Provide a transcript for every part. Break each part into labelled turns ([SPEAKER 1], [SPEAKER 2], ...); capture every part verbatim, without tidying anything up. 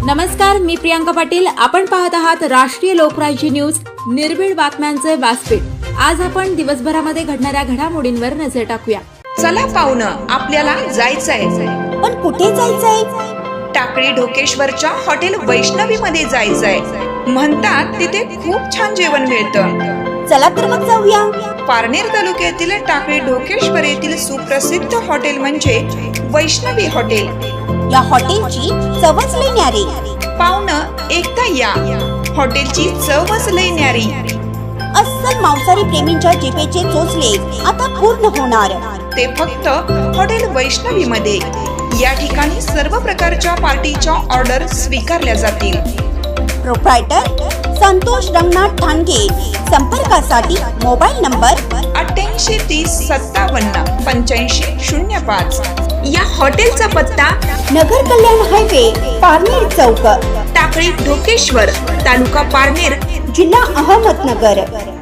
[SPEAKER 1] नमस्कार, मी प्रियांका पाटील. आपण पाहत आहात राष्ट्रीय लोकराज्य न्यूज, निर्भीड बातम्यांचे व्यासपीठ. आज आपण दिवसभरामध्ये घडणाऱ्या घडामोडींवर नजर टाकूया.
[SPEAKER 2] चला पाहुणं, आपल्याला जायचंय.
[SPEAKER 3] पण कुठे जायचंय?
[SPEAKER 2] टाकळी ढोकेश्वरच्या हॉटेल वैष्णवी मध्ये जायचंय. म्हणतात तिथे खूप छान जेवण मिळतं.
[SPEAKER 3] चला तर मग जाऊया.
[SPEAKER 2] पारनेर तालुक्यातील टाकळी ढोकेश्वर येथील सुप्रसिद्ध हॉटेल म्हणजे वैष्णवी हॉटेल.
[SPEAKER 3] या हॉटेलची चवच लई न्यारी.
[SPEAKER 2] पाहुणं, एकदा या. हॉटेलची चवच लई न्यारी.
[SPEAKER 3] अस्सल मांसाहारी प्रेमींच्या जिभेचे चोचले आता पूर्ण होणार.
[SPEAKER 2] ते फक्त हॉटेल वैष्णवी मध्ये. या ठिकाणी सर्व प्रकारच्या पार्टीच्या ऑर्डर स्वीकारल्या जातील.
[SPEAKER 3] प्रोप्रायटर संतोष रंगनाथ ठाणगे. संपर्कासाठी मोबाईल नंबर
[SPEAKER 2] अठ्ठ्याऐंशी तीस सत्तावन्न पंच्याऐंशी शून्य पाच. या हॉटेलचा पत्ता
[SPEAKER 3] नगर कल्याण हायवे, पारनेर चौक,
[SPEAKER 2] टाकळी ढोकेश्वर, तालुका पारनेर,
[SPEAKER 3] जिल्हा अहमदनगर.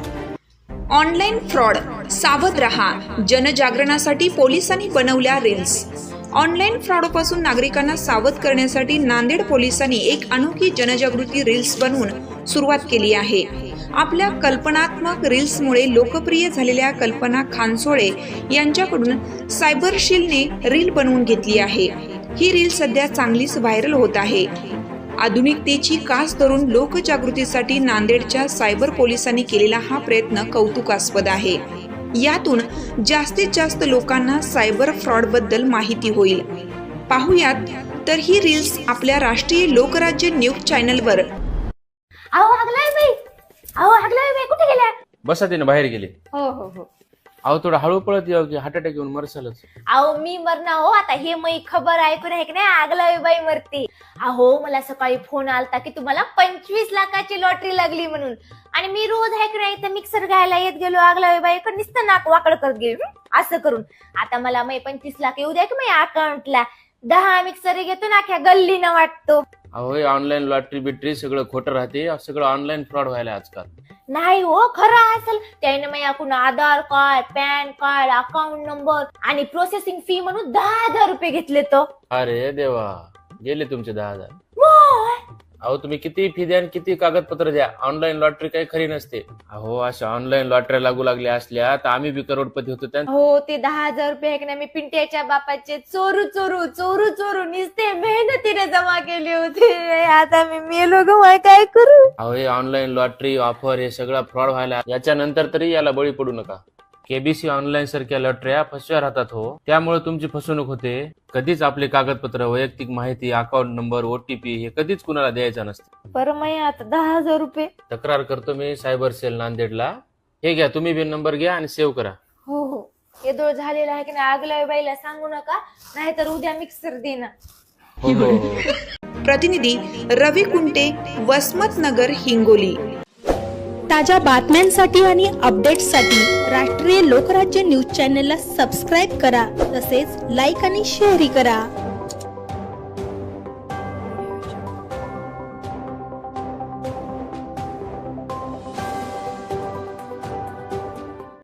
[SPEAKER 2] ऑनलाईन फ्रॉड, सावध रहा. जनजागरणासाठी पोलिसांनी बनवल्या रील्स. ऑनलाईन फ्रॉडपासून नागरिकांना सावध करण्यासाठी नांदेड पोलिसांनी एक अनोखी जनजागृती रील्स बनवून सुरुवात केली आहे. आपल्या कल्पनात्मक रील्समुळे लोकप्रिय झालेल्या कल्पना खानसोळे यांच्याकडून सायबरशीलने रील बनवून घेतली आहे. ही रील सध्या चांगलीच व्हायरल होत आहे. आधुनिकतेची कास धरून लोकजागृतीसाठी नांदेडच्या सायबर पोलिसांनी केलेला हा प्रयत्न कौतुकास्पद आहे. यातून जास्तीत जास्त लोकांना सायबर फ्रॉड बद्दल माहिती होईल. पाहुयात तर ही रील्स आपल्या राष्ट्रीय लोकराज्य न्यूज चॅनलवर.
[SPEAKER 4] अहो हागलाय बाई, अहो हागलाय बाई, कुठे गेल्या?
[SPEAKER 5] बसा तिने बाहेर गेले.
[SPEAKER 4] हो हो हो.
[SPEAKER 5] अहो थोडं हळू पळत यावं की हार्ट अटॅक येऊन मरसालच.
[SPEAKER 4] अहो मी मरणार हो. आता हे मी खबर ऐकून आहे की नाही, आगलावी बाई मरते. अहो मला सकाळी फोन आलता की तुम्हाला पंचवीस लाखाची लॉटरी लागली म्हणून. आणि मी रोज आहे की नाही, तर मिक्सर घ्यायला येत गेलो आगलावी बाई कडे, नुसतं नाक वाकड करत गेलो असं करून. आता मला मै पंचवीस लाख येऊ द्या की माझ्या अकाउंटला. दहा मिक्सर घेतो ना, अख्या गल्लीनं वाटतो.
[SPEAKER 5] अहो ऑनलाईन लॉटरी बिटरी सगळं खोटं राहते. सगळं ऑनलाईन फ्रॉड व्हायला आजकाल.
[SPEAKER 4] नाही हो, खरं असेल. त्याने माझ्याकडून Aadhaar card, PAN card, account number आणि प्रोसेसिंग फी म्हणून दहा हजार रुपये घेतले. तो
[SPEAKER 5] अरे देवा, गेले तुमचे दहा हजार.
[SPEAKER 4] वाह!
[SPEAKER 5] अहो तुम्ही किती फी द्या आणि किती कागदपत्र द्या, ऑनलाईन लॉटरी काही खरी नसते. अहो अशा ऑनलाईन लॉटरी लागू लागल्या असल्या तर आम्ही बी करोडपती होतो. त्या
[SPEAKER 4] हो, ते दहा हजार रुपये आहे की नाही, मी पिंट्याच्या बापाचे चोरू चोरू चोरू चोरू निसते मेहनतीने जमा केले होते. आता मी मेलो ग, काय करू?
[SPEAKER 5] अहो हे ऑनलाईन लॉटरी ऑफर हे सगळं फ्रॉड व्हायला. याच्यानंतर तरी याला बळी पडू नका. केबीसी ऑनलाईन सारख्या लॉटऱ्या फसव्या राहतात हो. त्यामुळे तुमची फसवणूक होते. कधीच आपले कागदपत्र, वैयक्तिक माहिती, अकाउंट नंबर, ओटीपी हे कधीच कुणाला द्यायचं नसतं.
[SPEAKER 4] बरं, मी आता दहा हजार रुपये
[SPEAKER 5] तक्रार करतो मी सायबर सेल नांदेडला. हे घ्या, तुम्ही बी नंबर घ्या आणि सेव्ह करा.
[SPEAKER 4] हो हो. हे दोळ झालेला आहे की नाही, आगल्या बाईला सांगू नका, नाहीतर उद्या मिक्सर देणार.
[SPEAKER 5] हो हो हो.
[SPEAKER 2] प्रतिनिधी रवी कुंटे, वसमत नगर, हिंगोली.
[SPEAKER 6] ताज्या बातम्यांसाठी आणि अपडेट्ससाठी राष्ट्रीय लोकराज्य न्यूज चॅनलला सबस्क्राईब करा. तसेच लाईक आणि शेअरही करा.